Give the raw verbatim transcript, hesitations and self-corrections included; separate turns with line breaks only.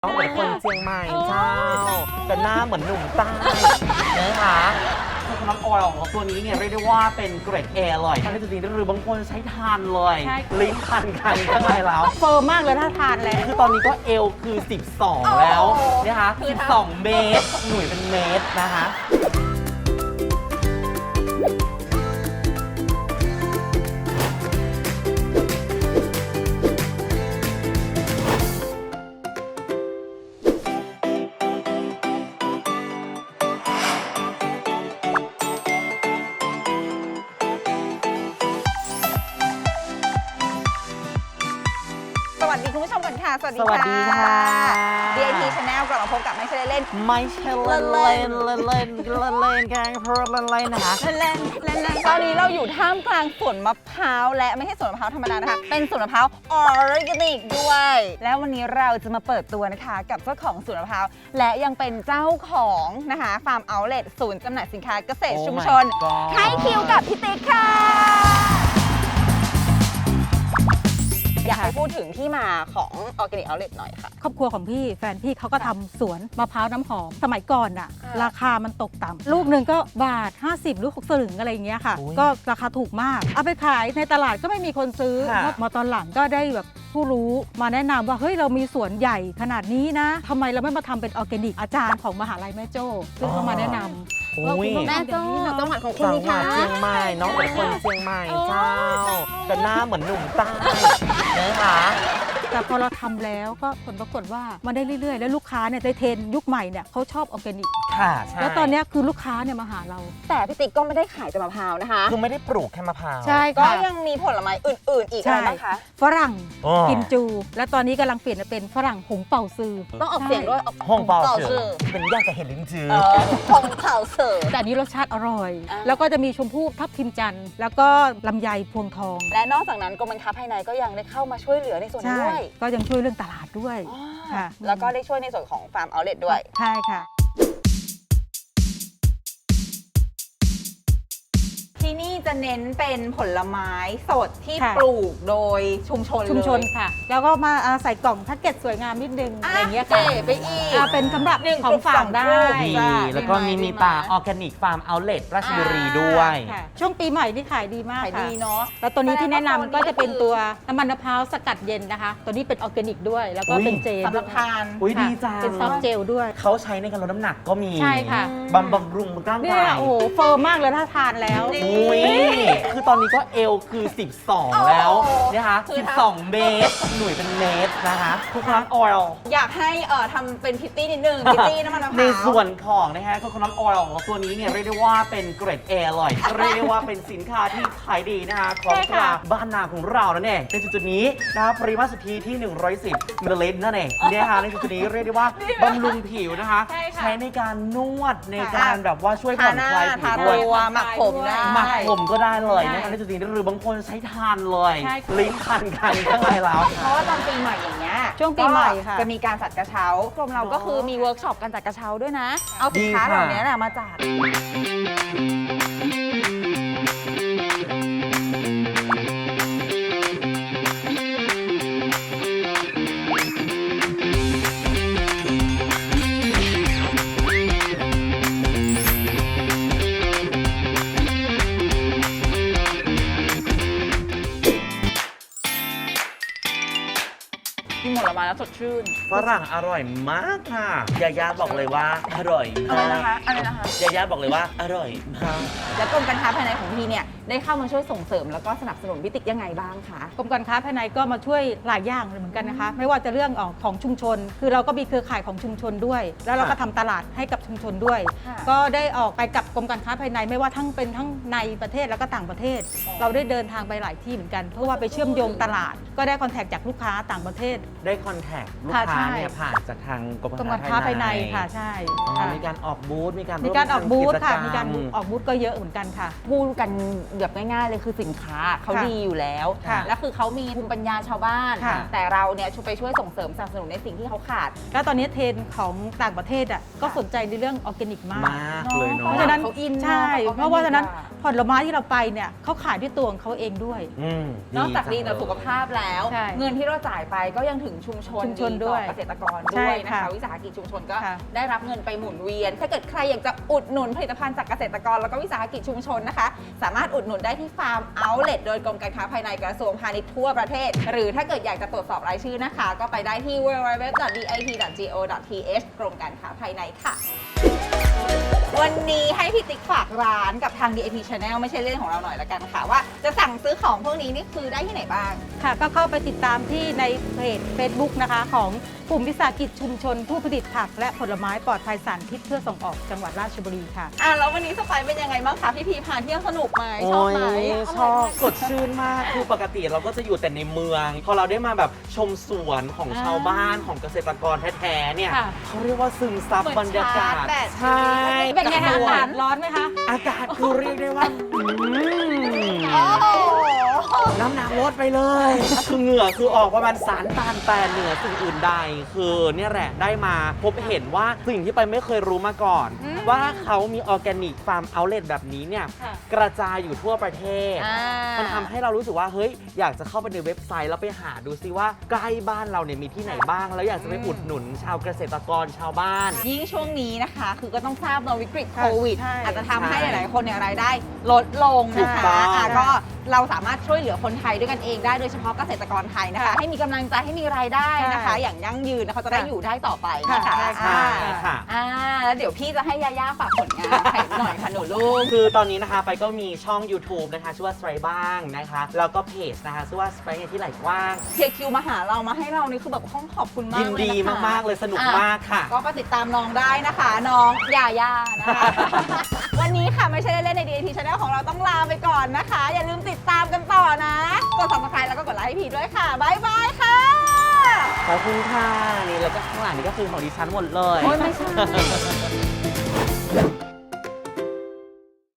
ต้องเป็นคนเชียงใหม่เจ้าแต่หน้าเหมือนหนุ่มใต้นะคะคือน้ำออยล์ของตัวนี้เนี่ยเรียกได้ว่าเป็นเกรด เอ เลยท่านจริงๆหรือบางคนใช้ทานเลยลิ้นพันกันข้างในแล้ว
เฟิร์มมากเลยถ้าทานแล้ว
คือตอนนี้ก็เอลคือสิบสองแล้วนะคะสิบสองเมตรหน่วยเป็นเมตรนะคะ
สวัสดีคุณผู้ชมกันค่ะสวัสดี
สวัสดีค่ะ
ดี ไอ ที Channel กลับมาพบกับไม่ใช่เล่น
ไม่ใช่เล่นเล่นเล่นเล่นเล่นเล่นแกงเพราะเล่นเล่นนะคะ
เล่นเล่นเล่นเล่นตอนนี้เราอยู่ท่ามกลางสวนมะพร้าวและไม่ใช่สวนมะพร้าวธรรมดานะคะเป็นสวนมะพร้าวออร์แกนิกด้วย แล้ววันนี้เราจะมาเปิดตัวนะคะกับเจ้าของสวนมะพร้าวและยังเป็นเจ้าของนะคะฟาร์มเอาท์เลทศูนย์จำหน่ายสินค้าเกษตรชุมชน ให้คิวกับพี่ติ๊กค่ะอยากให้พูดถึงที่มาของ Organic Outlet หน่อยค่ะ
ครอบครัวของพี่แฟนพี่เขาก็ทำสวนมะพร้าวน้ำหอมสมัยก่อนอะราคามันตกต่ำลูกหนึ่งก็บาทห้าสิบหรือหกสลึงอะไรอย่างเงี้ยค่ะก็ราคาถูกมากเอาไปขายในตลาดก็ไม่มีคนซื้อมาตอนหลังก็ได้แบบผู้รู้มาแนะนำว่าเฮ้ยเรามีสวนใหญ่ขนาดนี้นะทำไมเราไม่มาทำเป็นออร์แกนิกอาจารย์ของมหาลัยแม่โจ้ซึ่งเขามาแนะนำว่าคุณต้อง
แม่โจ้จังหวัดของคุณ
จัง
นี่
หวั
ค่ะ
ดเชียงใหม่น้องเป็นคนเชียงใหม่เจ้าแต่หน้าเหมือนหนุ่มใต้นะคะ
แต่พอเราทำแล้วก็ผลปรากฏว่ามันได้เรื่อยๆแล้วลูกค้าเนี่ยในเทรนยุคใหม่เนี่ยเขาชอบออร์แกนิก
ค่ะใช่
แล้วตอนนี้คือลูกค้าเนี่ยมาหาเรา
แต่พี่ติ๊กก็ไม่ได้ขายแต่มะพร้าวนะคะ
คือไม่ได้ปลูกแค่มะพร้าว
ใช่
ก็
ค่ะ
ยังมีผลไม้อื่นๆอีกอะไรบ้างคะ
ฝรั่งกินจู และตอนนี้กำลังเปลี่ยนเป็นฝรั่งหงเป่าซือ
ต้องออกเสียงด้วย
หงเป่าซือเป็นยากจะเห็นลิ้นจือ
หงเป่าซือ
แต่อันนี้รสชาติอร่อยแล้วก็จะมีชมพู่ทับทิมจันทร์แล้วก็ลำไยพวงทอง
และนอกจากนั้นกรมการค้าภายในก็ยังได้เข้ามาช่วยเหลือในส่วนนี้ด้วย
ก็ยังช่วยเรื่องตลาดด้วย
ค่ะแล้วก็ได้ช่วยในส่วนของฟาร์มเอาท์เลทด้วย
ใช่ค่ะ
ที่นี่จะเน้นเป็นผลไม้สดที่ปลูกโดยชุมชน
ชุมชนค่ะแล้วก็มาใส่กล่องแพ็กเกจสวยงามนิดนึงอะไรเงี้ยค่ะ
ไปอีก
เป็นสำหรับของฝากได้
แล้วก็มีมีปลาออร์แกนิกฟาร์มเอาท์เลทราชบุรีด้วย
ช่วงปีใหม่ที่ขายดีมาก
ขายดีเนาะ
แล้วตัวนี้ที่แนะนำก็จะเป็นตัวน้ำมันมะพร้าวสกัดเย็นนะคะตัวนี้เป็นออร์แกนิกด้วยแล้วก็เป็นเจล
สำหรับทาน
อุ้ยดีจัง
เป็นซอฟเจลด้วย
เขาใช้ในการลดน้ำหนักก็มี
ใช่ค่ะ
บำบำรุงร่างกาย
โอ้โหเฟิร์มมากเลยถ้าทานแล้ว
อุ้ยคือตอนนี้ก็เอลคือสิบสองแล้วนะคะสิบสองเมตรหน่วยเป็นเมตรนะคะทุกครั้งออยล์
อยากให้เอ่อทำเป็นพิตตี้นิดนึงพิตตี้น้ำมันมะพร้าว
ในส่วนของนะคะโคโคนัทออยล์ของตัวนี้เนี่ยเรียกได้ว่าเป็นเกรด เอ เลยเรียกได้ว่าเป็นสินค้าที่ขายดีนะคะของตลาดบ้านนาของเรานั่นเองในจุดนี้นะคะปริมาตรสุทธิที่หนึ่งร้อยสิบมิลลิลิตรนั่นเองนะคะในจุดนี้เรียกได้ว่าบำรุงผิวนะคะใช้ในการนวดในการแบบว่าช่วยผ่อนคลายผิวด้วย
หมักผมได้
หมักผมก็ได้เลยนะคะในจุดนี้หรือบางคนใช้ทานเลยลิ้นพันกันข้างในแล้ว
เพราะว่าตอนปีใหม่อย่างเงี้ย
ช่วงปีใหม่ค่ะ
จะมีการจัดกระเช้ากรมเราก็คือมีเวิร์กช็อปการจัดกระเช้าด้วยนะเอาสินค้าเหล่านี้แหละมาจัดกินผลไม้แล้วสดชื่น
ฝรั่งอร่อยมากค่ะยาย่าบอกเลยว่าอร่อยมาก
อะไรนะคะอะไรนะคะ
ยาย่าบอกเลยว่าอร่อยมาก
แล้วกรมการค้าภายในของพี่เนี่ยได้เข้ามาช่วยส่งเสริมแล้วก็สนับสนุนพี่ติ๊กยังไงบ้างคะ
กรมการค้าภายในก็มาช่วยหลายอย่างเหมือนกันนะคะไม่ว่าจะเรื่องของชุมชนคือเราก็มีเครือข่ายของชุมชนด้วยแล้วเราก็ทำตลาดให้กับชุมชนด้วยก็ได้ออกไปกับกรมการค้าภายในไม่ว่าทั้งเป็นทั้งในประเทศแล้วก็ต่างประเทศเราได้เดินทางไปหลายที่เหมือนกันเพราะว่าไปเชื่อมโยงตลาดก็ได้คอนแทคจากลูกค้าต่างประเทศ
ได้คอนแทคลูกค้าเนี่ยผ่านจากทางกรม
การค้าภายในค่ะใช่
มีการออกบูธมีการ
มีการออกบูธค่ะมีการออกบูธก็เยอะเหมือนกันค่ะ
พูดกันแบบง่ายๆเลยคือสินค้าเขาดีอยู่แล้วแล้วคือเขามีภูมิปัญญาชาวบ้านแต่เราเนี่ยช่วยไปช่วยส่งเสริมสนับสนุนในสิ่งที่เขาขาด
แล้วตอนนี้เทรนด์ของต่างประเทศอ่ะก็สนใจในเรื่องออร์แกนิกมาก
มากเลยเนาะ
เพราะฉะนั้นใช่เพราะว่าฉะนั้นผลไม้ที่เราไปเนี่ยเขาขายด้วยตัวของเขาเองด้วย
นอกจากดีต่อสุขภาพแล้วเงินที่เราจ่ายไปก็ยังถึงชุมชน
ชุมชน
ต่อ
ด้วย
เกษตรกร
ใช่
ด้วยนะคะ
ค่ะ
วิสาหกิจชุมชนก็
ค่ะ
ได้รับเงินไปหมุนเวียน ถ้าเกิดใครอยากจะอุดหนุนผลิตภัณฑ์จากเกษตรกรแล้วก็วิสาหกิจชุมชนนะคะ สามารถอุดหนุนได้ที่ฟาร์มเอาท์เล็ตโดยกรมการค้าภายในกระทรวงพาณิชย์ทั่วประเทศ หรือถ้าเกิดอยากจะตรวจสอบรายชื่อนะคะ ก็ไปได้ที่ ดับเบิลยู ดับเบิลยู ดับเบิลยู ดอท ดี ไอ ที ดอท จี โอ ดอท ที เอช กรมการค้าภายในค่ะ วันนี้ให้พี่ติ๊กฝากร้านกับทาง ดี ไอ ที Channel ไม่ใช่เรื่องของเราหน่อยละกันค่ะ ว่าจะสั่งซื้อของพวกนี้นี่คือได้ที่ไหนบ้าง
ค่ะก็เข้าไปติดตามที่ในเพจ Facebook นะคะ ของกลุ่มวิสาหกิจชุมชน ผู้ผลิตผักและผลไม้ปลอดภัยสารพิษเพื่อส่งออกจังหวัดราชบุรีค่ะ
อ่ะแล้ววันนี้สไปซ์เป็นยังไงบ้างคะพี่พีพาเที่ยวสนุกไหมช
โอ้
อบ
ย
ไหม
ชอบสดชื่นมาก คือปกติเราก็จะอยู่แต่ในเมือง พอเราได้มาแบบชมสวนของชาวบ้านของเกษตรกรแท้ๆเนี่ย
ค่ะ
เขาเรียกว่าซึมซับบรรยากาศ ใช่
เป็นไงคะ
ส
อา
วน
กาศร้อนไหมคะ
อากาศคือเรียกได้ว่าอืม
โอ้โห
น้ำหนักลดไปเลย คือเหงื่อคือออกประมาณสารตานแต่เหนือสิ่งอื่นใด คือเนี่ยแหละได้มาพบเห็นว่าสิ่งที่ไปไม่เคยรู้มาก่อน ว่าเขามีออร์แกนิกฟาร์มเอาท์เลทแบบนี้เนี่ย
ค่ะ
กระจายอยู่ทั่วประเทศ
อ่า
มันทำให้เรารู้สึกว่าเฮ้ยอยากจะเข้าไปในเว็บไซต์แล้วไปหาดูซิว่าใกล้บ้านเราเนี่ยมีที่ไหนบ้าง แล้วอยากจะไปอุดหนุนชาวเกษตรกรชาวบ้าน
ยิ่งช่วงนี้นะคะ คือก็ต้องทราบเนอะวิกฤตโควิด
ใช่
อาจจะทำให้
ใช่
หลายๆคนเนี่ยรายได้ลดลง
ถู
นะ
ก
คะ
ต้อง
อ่ะก็เราสามารถช่วยเหลือคนไทยด้วยกันเองได้โดยเฉพาะเกษตรกรไทยนะคะ
ค่ะ
ให้มีกำลังใจให้มีรายได้นะคะ
ใช่
อย่างยั่งยืนนะเขาจะได้
ค่ะ
อยู่ได้ต่อไปนะคะ
ค่ะ
ใช่ค่ะ
อ่าแล้วเดี๋ยวพี่จะให้ยาย่าฝากผลงานให้หน่อยค่ะหนูลูก
คือตอนนี้นะคะไปก็มีช่อง YouTube นะคะชื่อว่า s t r a y บ้างนะคะ แล้วก็เพจนะคะชื่อว่า s t r a y ที่ไหลกว้าง
เทียคิวมาหาเรามาให้เรานี่คือแบบต้องขอบคุณมาก
ยิน
เลย
ดี
นะคะ
มาก ๆ เลยสนุก
อ่ะ
มากค่ะ
ก็ไปติดตามน้องได้นะคะ น้องยาย่านะคะ วันนี้ค่ะไม่ใช่เล่นๆใน ดี ไอ ที Channel ของเราต้องลาไปก่อนนะคะ อย่าลืมติดตามกันต่อนะ กด Subscribe แล้วก็กดไลค์ให้พีด้วยค่ะ บ๊ายบายค่ะ
ขอบคุณค่ะ นี่แล้วก็ข้างหลังนี่ก็คือของดิฉันหมดเลย
โอ้ยไม่ใช่